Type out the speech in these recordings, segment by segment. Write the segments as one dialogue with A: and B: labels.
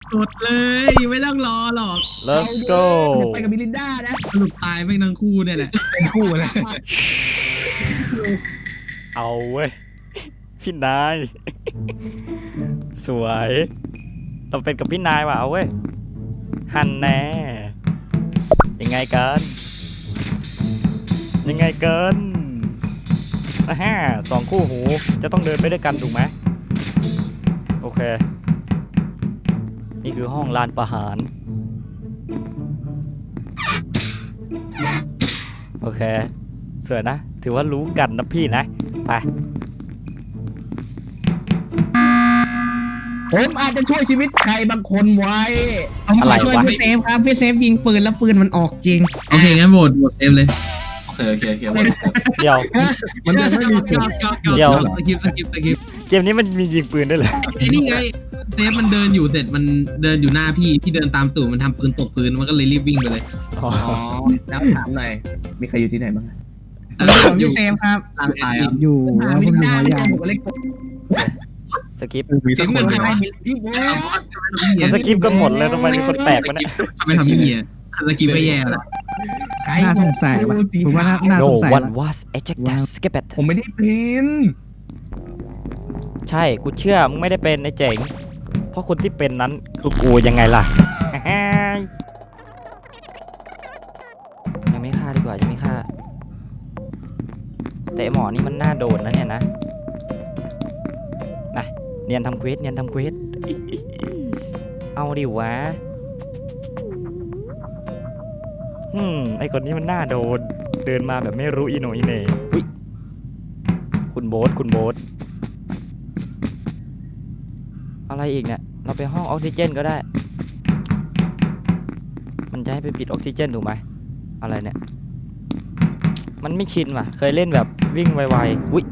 A: กดเลย ไม่ต้องรอหรอก
B: let's go
C: ไปกับมิลินดานะ
A: สรุปตายแม่งทั้งคู่เนี่ยแหละ
C: เป็นคู่เลย
B: เอาเว้ย พี่นาย สวย เราเป็นกับพี่นายว่ะเอาเว้ย หันแน่ยังไงกันยังไงกันฮ่าสองคู่หูจะต้องเดินไปด้วยกันถูกไหมโอเค นี่คือห้องลานประหารโอเคสวยนะถือว่ารู้กันนะพี่นะไป
C: ผมอาจจะช่วยชีวิตใครบางคนไว้
D: ผมขอช่วยพี่เซฟครับพี่เซฟยิงปืนแล้วปืนมันออกจริง
A: โอเคงั้นโหวตเต็มเลย
E: โอเค
B: เดี๋ยว
C: มันยังไม่มีจุด
B: เดี๋ยว
A: สกิป
B: เกมนี้มันมียิงปืนด้วยเหรอ
A: ไอ้นี่ไงเซฟมันเดินอยู่เสร็จมันเดินอยู่หน้าพี่เดินตามตู่มันทำปืนตกพื้นมันก็เลยรีบวิ่งไปเลย
B: อ๋อ
C: อ๋อแล้วถามหน่อยมีใครอยู่ที่ไหนบ้าง
D: ผมพี่เซฟครับ
E: ร่างกายครับ
F: อยู่
C: หา
F: แล้ว
C: มิ
F: ผม
C: ลิน
F: อยู่
C: ดา
F: หัวยาง
C: ไม่ใช่ผมเล็ก
B: สกิป
C: มีสักคนไหมที่
B: มันสกิปกันหมดเลยทำไมมีคนแปลกวะเนี่ย
A: ทำไมทำพี่เมียสกิปไม่แย่ละ
F: น่าสงสัยว่ะผมว่าน่าส
B: No
F: งสัย
B: one was ejected skip it
C: ผมไม่ได้เป็น
B: ใช่กูเชื่อมึงไม่ได้เป็นไอ้เจ๋งเพราะคนที่เป็นนั้นคือกูยังไงล่ะ ยังไม่ฆ่าดีกว่ายังไม่ฆ่าแต่ไอ้หมอนี่มันน่าโดนนะเนี่ยนะนะเนียนทำเควสเอาดิวะไอคนนี้มันน่าโดนเดินมาแบบไม่รู้อีโหนอีเหน่อุ๊ยคุณโบ๊ทอะไรอีกเนี่ยเราไปห้องออกซิเจนก็ได้มันจะให้ไปปิดออกซิเจนถูกไหมอะไรเนี่ยมันไม่ชินว่ะเคยเล่นแบบวิ่งไวๆอุ๊ย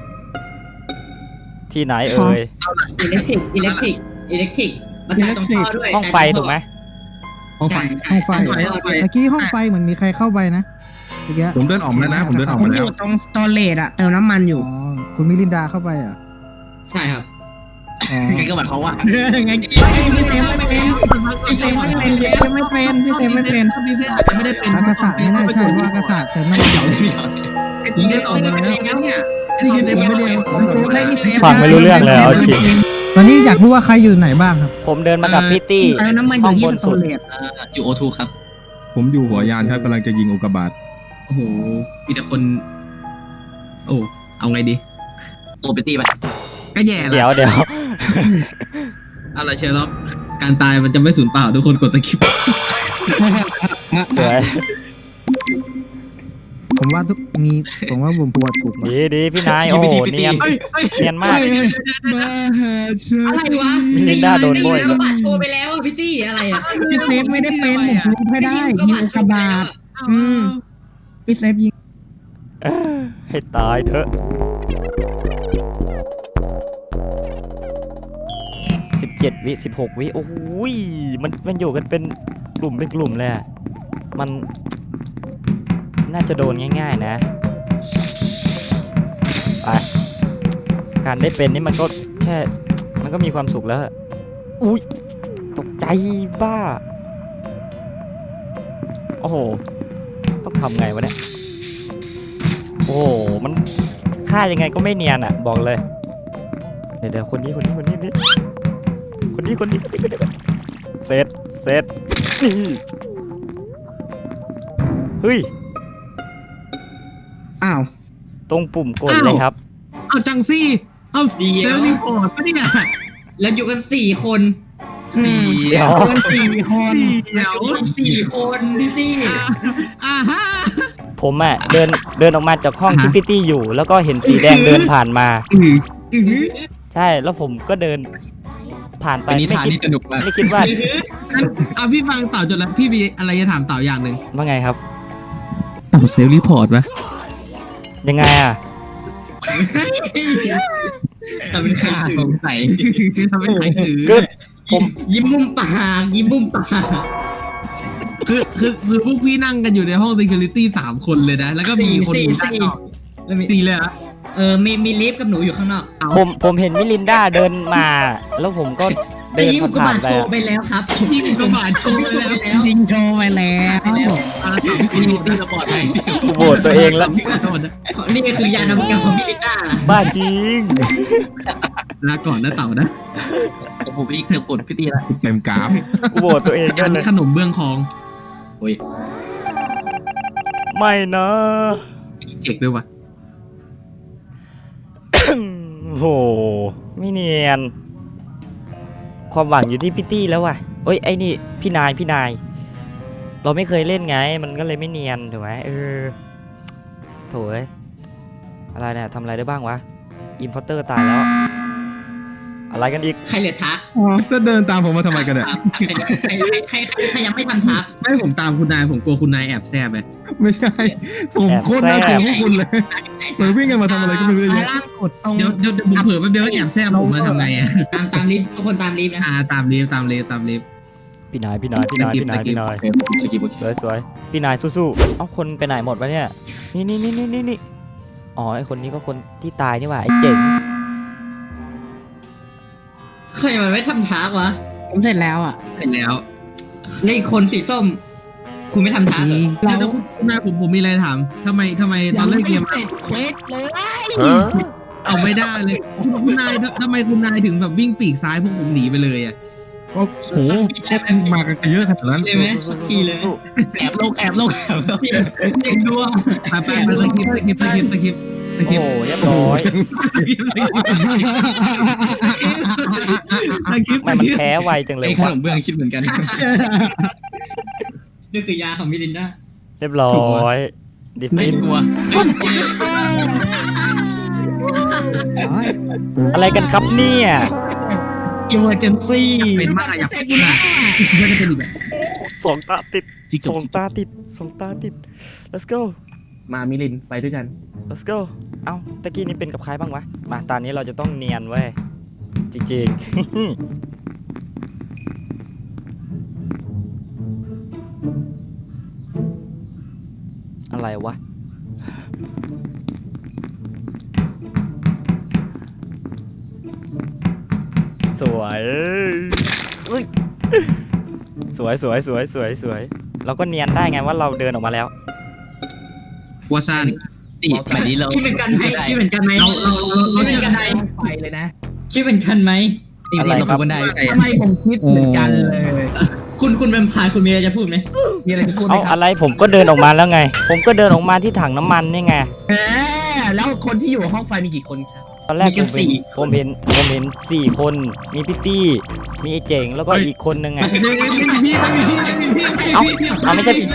B: ที่ไหนเอ่ย
E: อิเล็กทริกมันตัดตรงท่อด้วย
B: ห้องไฟถูกไหม
E: ห้องไฟ
F: ห้องไฟเมื่อกี้ห้องไฟเหมือนมีใครเข้าไปนะเมื่อกี้
C: ผมเดินออกมาแล้วนะผมเดินออก
D: ผม
C: มา
D: อ
C: แล้ว
D: ยู่ตรงสโตรเลตอะเติมน้ำมันอยู่
F: อ๋อคุณมิลินดาเข้าไปอ่ะ
E: ใช่ครับ
F: อ๋อ
E: ไงก็หมายความว่า
A: ไง
D: พี่เซฟไม่เป็นพี่เซฟไม่เป็นพี่เซฟไม่เป็นพี่เซฟไม่เป็น
A: พี่เซฟอาจจะไม่ได้เป็น
F: อากาศะไม่น่าใช่เพราะอากาศะเติมน้ำมันอยู่
A: ยิงได้ออกมาแล้วเนี่ยนี่คือเซฟไม่ได้
B: ฟังไม่รู้เรื่องเลยเอาจริง
F: ตอนนี้อยากรู้ว่าใครอยู่ไหนบ้างครับ
B: ผมเดินมากับพิตตี้
D: เติมน้ำมันอยู่ที่สโตรเลต
E: อยู่โอทูครับ
C: ผมอยู่หัวยานครับกำลังจะยิงอุกกาบาต
A: โอ้โหมีแต่คนโอ้เอาไงดี
E: โอเปตี้ไป
A: ก็แย่ละ
B: เดี๋ยว
A: อะไรเชอร์ล็อกการตายมันจะไม่สูญเปล่าทุกคนกดสกิป
B: สวย
F: ผมว่าผมว่าผมปวดถูกว่ะ
B: ดีพี่นายโอ้โหเนียนเนียนมาก
A: มาหาเชอร์
E: อะไรวะ
B: มิลินดาโดนโบย
E: ก็บัตรโชว์ไปแล้วอ่ะพี่ตี้อะไรอ่ะ
D: พี่เซฟไม่ได้เป็นผมรู้ไม่ได้ยิงอุกกาบาตพี่เซฟยิง
B: ให้ตายเถอะ17 วิ16 วิโอ้โหมันอยู่กันเป็นกลุ่มเลยอะมันน่าจะโดนง่ายๆนะไปการได้เป็นนี่มันก็แค่มันก็มีความสุขแล้วอุ้ยตกใจบ้าโอ้โหต้องทำไงวะเนี่ยโอ้โหมันฆ่ายังไงก็ไม่เนียนอ่ะบอกเลยเดี๋ยวคนนี้เซตนี่เฮ้ย
D: อ้าว
B: ตรงปุ่มกดเลยครับ
A: เอาจังซี่เอาเซลล์รีพอร์ตปะเนี่ย
E: แล้วอยู่กัน4 คน
B: เดี๋ยว
D: เพื่อน4 คน
A: เดี๋ยว
E: 4 คนพี่ตี้
A: อ่าฮะ
B: ผมอ่ะเดินออกมาจากห้องที่พี่ตี้อยู่ แล้วก็เห็นสีแดงเดินผ่านมา ใช่แล้วผมก็เดินผ่านไป
E: นิ
B: ไม่
E: ทาน
B: คิด
E: นี่สนุกมาก
B: ไม่คิดว่า
A: เอาพี่ฟังเต่าจนแล้วพี่มีอะไรจะถามเต่าอย่างหนึ่ง
B: ว่าไงครับ
A: เต่าเซลล์รีพอร์ตปะ
B: ยังไงอ่ะ
E: ทำเป็นใครสงสัย
A: ทำเป็นใครถือ
B: คือผม
E: ยิ้มมุมปากยิ้มมุมปาก
A: คือพวกพี่นั่งกันอยู่ในห้อง security 3 คนเลยนะ แล้วก็มีคนอยู่ด้านนอก
E: แล้วมี
A: ตีเลยอะ
E: มีลิฟต์กับหนูอยู่ข้างนอก
B: ผมเห็นมิลินดาเดินมา แล้วผมก็เดิน
E: ยิงอุกกา
B: ผ่า
E: บาน ต
B: ๆไป
E: โช
B: อะ
E: ว์ไปแล้วครับ
A: ยิงอุกกาบาตโชว์ไปแล้ว
D: ยิงโชว์ไปแล้ว
A: พี่ตีระบอดไป
B: กูโหวตตัวเองแล้ว
E: นี่คือยานอวกาศของพี่ลิต้า
B: บ้าจริง
A: ลาก่อนนะเต่านะ
C: ผมอีกเกือบกดพี่ตีละเต็มกราฟ
B: กูโหวตตัวเองกันเลย
A: ขนมเบื้องคอง
B: ไม่นะ
A: เจ็กด้วยวะ
B: โหไม่เนียน ความหวังอยู่ที่พี่ตี้แล้วว่ะเอ้ยไอ้นี่พี่นาย เราไม่เคยเล่นไง มันก็เลยไม่เนียนถูกไหมโถยอะไรเนี่ยทำอะไรได้บ้างวะอิมพอร์เตอร์ตายแล้ว อะไรกันอีก
E: ใครเหลือทัก
C: จะเดินตามผมมาทำไมกันเนี่ย
E: ใครยังไม่ทำทัก
A: ไม่ผมตามคุณนายผมกลัวคุณนายแอบแซบไป
C: ไม่ใช่ ผมโคตรน่ากลัวพวกคุณเลยเหมือนวิ่งกันมาทำอะไรก็ไม่รู้เยอะ
D: ล่างสุดตรง
A: เดี๋ยวผมเผื่อแป๊บเดียวแอบแซบผมมาทำไงอ่ะ
E: ตามลิฟต์ทุกคนตามลิฟต์นะ
A: ตามลิฟต์
B: พี่นายสวยพี่นายสู้ๆเอ้าคนไปไหนหมดวะเนี่ยนี่อ๋อไอคนนี้ก็คนที่ตายนี่หว่าไอเจ๋ง
E: ใครมันไม่ทำทักวะ
D: ผมเสร็จแล้วอ่ะ
A: เสร็จแล้ว
E: นี่คนสีส้ม คุณไม่ทำทักเหรอ
A: แล้วคุณนายผมมีอะไรถามทำไมตอนเล่นเกม
D: เสร็จเควสเลย
A: เอาไม่ได้เลยคุณนายทำไมคุณนายถึงแบบวิ่งปีกซ้ายพวกผมหนีไปเลยอ่ะ
C: โอ้โหมากันเยอะขนาดนั้น
E: เลยไหมสักทีเลยไหมแอบลงเด็กด้วง
A: ไปสคริป
B: โอ้โหเรียบร้อยมันแพ้ไวจังเลย
C: ไอ้ขนมเบื้องคิดเหมือนกัน
E: นี่คือยาของมิลินดา
B: เรียบร้อยดิฟินอะไรกันครับเนี่ย
D: อิมเมอร์เจนซี่
A: เป็นมากอยากเป็นมากก็จะเป็นอีกแบบ
B: สองตาติด let's go
C: มามิลินไปด้วยกัน
B: let's go เอ้าตะกี้นี้เป็นกับใครบ้างวะมาตอนนี้เราจะต้องเนียนเว้ยจริงๆ อะไรวะสวยอุ๊ยสวยเราก็เนียนได้ไงว่าเราเดินออกมาแล้ว
A: วัวซัน
C: สมัยนี้เรา
E: คิดเหมือนกันไหมคิดเหมือนกันไหม
A: เรา
E: คิดเหมือนกันไหม
C: ไปเลยนะ
E: คิดเหมือนกันไหม
B: อะไรครับ
D: ทำไมผมคิดเหมือนกันเลย
E: คุณเป็นพายคุณมีอะไรจะพูดไหม
C: มีอะไรจะพูดไหม
B: เอา
C: ครับ
B: อะไรผมก็เดินออกมาแล้วไง ผมก็เดินออกมาที่ถังน้ำมันนี่ไง
C: แล้วคนที่อยู่ห้องไฟมีกี่คนครับ
B: ตอนแรกผมเห็น4 คนมีพี่ตี้มีไอ้เจ๋งแล้วก็อีกคนนึงไง
A: ไม่มีพี่
B: เอาไม่ใช่พี่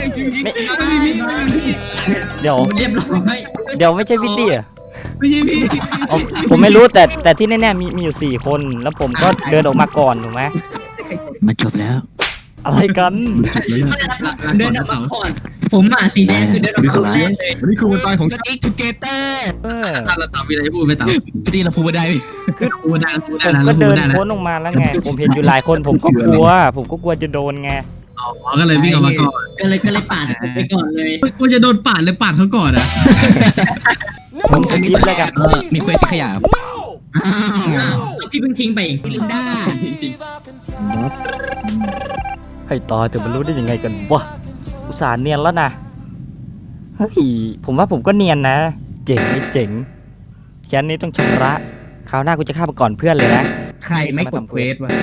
B: เดี๋ยว
E: เรียบร้อย
B: ไม่ใช่พี่ตี้อะ
A: ไม่ใช่พี่
B: เอาผมไม่รู้แต่ที่แน่ๆมีอยู่4 คนแล้วผมก็เดินออกมาก่อนถูกไหม
D: มาจบแล้ว
B: อะไรกัน
E: เดินออกมาก่อนผมสีแดงคือเดินออกมาก่อนเลย
C: วันนี้คือวันตายของ
D: สติ๊กทูเกเตอร์
A: เราตอบมีอะไรจะพูดไหมตอบ
C: พี่ตีเราพูดได้ไหม
A: พูดได้
B: ผมก็เดินพ้นออกมาแล้วไงผมเห็นอยู่หลายคนผมก็กลัวจะโดนไง
A: อ๋อก็เลยวิ่งออกมาก่อน
E: ก็เลยปาดไปก่อนเลย
A: กูจะโดนปาดเลยปาดเขาก่อนอ่ะ
B: ผมสกิปแล้วกัน
C: มีเควสที่ขยับ
E: พี่เพิ่งทิ้งไปเอง
D: ลินด้า
B: ให้ตายแต่มันรู้ได้ยังไงกันวะอุตส่าห์เนียนแล้วนะเฮ้ยผมว่าผมก็เนียนนะ เจ๋งแค่นี้ต้องชำระคราวหน้ากูจะฆ่าไปก่อนเพื่อนเลยนะ
C: ใครไม่กดเควสวะ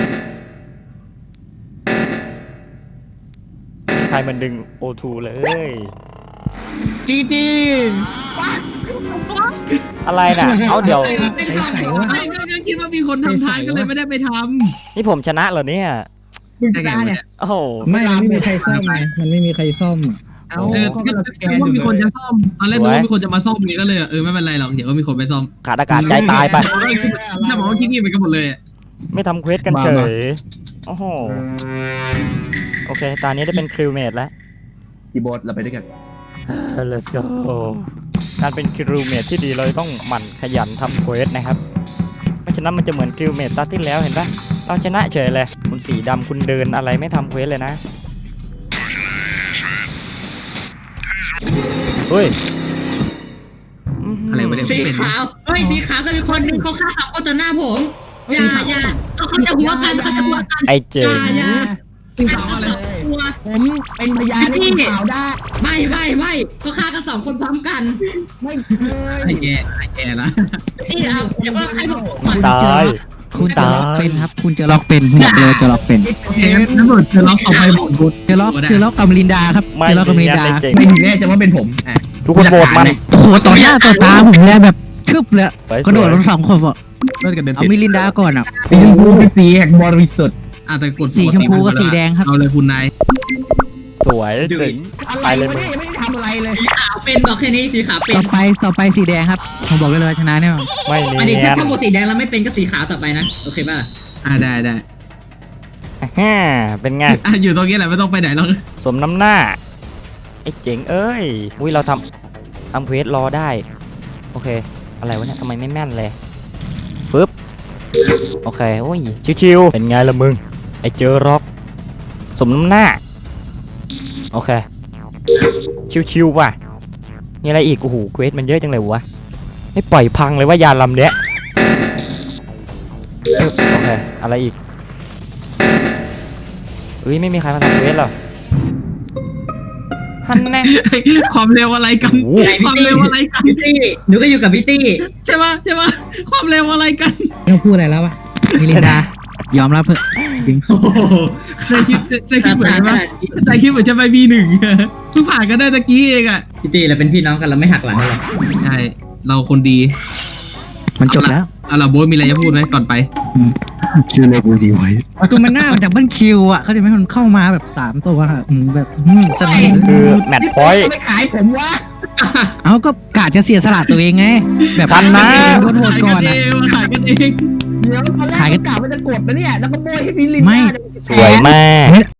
B: ใครมันดึง O2 เลย
D: จี
B: อะไรน่ะ เอาเดี๋ยว
A: ไม่ก็คิดว่ามีคนทำทานก็เลยไม่ได้ไปท
B: นี่ผมชนะเหรอเนี่ย
A: ำได้ไงวะเนี่ย
B: โอ้โห
F: ไม่มีใครซ่อมไงมันไม่มีใครซ่อม
C: เอา
A: คิดว่ามีคนจะซ่อมตอนแรกนึกว่ามีคนจะมาซ่อมนี่ก็เลยไม่เป็นไรหรอกเดี๋ยวก็มีคนไปซ่อม
B: ขาดอากาศใจตายไป
A: จะบอกว่าคิดงี้ไปกันหมดเลย
B: ไม่ทำเควสกันเฉย โอ้โห โอเค ตอนนี้ได้เป็นคริวเมทแล้ว
C: พี่โบสเราไปด้วยกัน
B: Let's go การเป็นคริวเมทที่ดีเราต้องหมั่นขยันทำเควสนะครับไม่ฉะนั้นมันจะเหมือนคริวเมทตาที่แล้วเห็นปะเราชนะเฉยเลยคุณสีดำคุณเดินอะไรไม่ทำเควสเลยนะเฮ้ย
A: อะไรวะเนี่ย
E: สีขาวเฮ้ยสีขาวก็มีคนนึงเขาฆ่าเขาต่อหน้าผมอย่าเขาจะหัวกันเขาจะหัวกัน
B: ไอ้เจ๋ง
E: อย่า
D: จริงๆเลยผมเป็นพยานให้คุณข่าวได้
E: ไม่เขาฆ่ากัน2 คนพร้อมกัน
D: ไม่เคย
A: ไอ้แกละ
E: นี่เอาอย่าเพิ่งให้ผมก่อน
B: ตาย
F: คุณจะล็อกเป็นครับ คุณจะล็อกเป็นผมบอกเลยจะล็อกเป็น
A: เทปน้ำหมดจะล็อกต่อไปหมดบุญ
F: จะล็อกกับลินดาครับ
B: ไม่
F: จะล็อกกับลิ
B: เนีย
F: น
B: น
F: ดา
B: ไอ้เจ๋ง
E: ไม่แน่ใจว่าเป็นผม
B: ทุกคนโหวตมัน
F: โอ้โหต่อหน้าต่อตาผมเลยแบบทึบเลย
B: สวย
F: กระโดดลงสองคนบอก
C: น่าจะกระเด็น
F: เอา
C: ติด
F: มิลินดาก่อนอ่ะ
D: สีชมพูคือสีแห่งบริสุทธิ์
A: แต่กด
F: สีชมพูกับสีแดงครับ
A: เอาเลยคุณนาย
B: สวยเจ๋ง
D: อะไร
B: ไปเลยว
D: ะ
B: มึง
D: เนี่ยยังไม่ได้ทำอะไรเลย
E: สีขาวเป็นบอกแค่นี้สีขาวเป็น
F: ต่อไปสีแดงครับผมบอกเลยว่าชนะแน่นอน
B: ไม่
E: อัน
B: เนี
E: นี้
B: ย
E: ถ้าน ถ้าหมดสีแดงแล้วไม่เป็นก็สีขาวต่อไปนะโอเคป่ะ
A: ได้
B: ฮ่าเป็นไง
A: อยู่ตรงนี้แหละไม่ต้องไปไหนหรอก
B: สมน้ำหน้า ไอ้เจ๋งเอ้ยอุ้ยเราทำเควสรอได้ โอเค อะไรวะเนี่ยทำไมไม่แม่นเลยฟึบโอเคโอ้ยชิวๆเป็นไงล่ะมึง ไอ้เจอร็อก สมน้ำหน้า โอเค ชิวๆว่ะมีอะไรอีกโอ้โหเควสมันเยอะจังเลยวะไม่ปล่อยพังเลยว่ายานลำเนี้ยฟึบโอเคอะไรอีกเอ้ยไม่มีใครมาทำเควสหรอฮันแน่
A: ความเร็วอะไรกัน
B: โอ้โห
A: ความเร็วอะไรกัน
E: พี่ตี้หนูก็อยู่กับพี่ตี้
A: ใช่ปะความเร็วอะไรกัน
F: ไม่ต้องพูดอะไรแล้ววะมิลินดายอมรับเถอะจริง
A: โอ้โหเคยคิดเหมือนกันปะเคยคิดเหมือนจะไปB1เพิ่งผ่านกันได้ตะกี้เองอ่ะ
E: พี่ตี้เราเป็นพี่น้องกันเราไม่หักหลังกันหรอก
A: ใช่เราคนดี
F: มันจบแล้ว
A: เอาล่ะโบ๊ทมีอะไรจะพูดไหมก่อนไป
C: ชื่อเลขกูดีไว้
F: คือมันหน้ามันจากเบิ้ลคิวอ่ะเขาจะไม่มันเข้ามาแบบ3 ตัวอะแบบสนิท
B: คือแมตช์พอยต์
D: ไม่ขายผมวะ
F: เอาก็กาดจะเสียสละตัวเองไง แบบ
B: ทันนะ
F: โดนโหวตก่อน
A: ขายกันเอง
D: เดี๋ยวตอนแรกก็กะว่าจะกดนะเนี่ยแล้วก็โบยให้พี่ลิน
F: ไม่
B: สวยมาก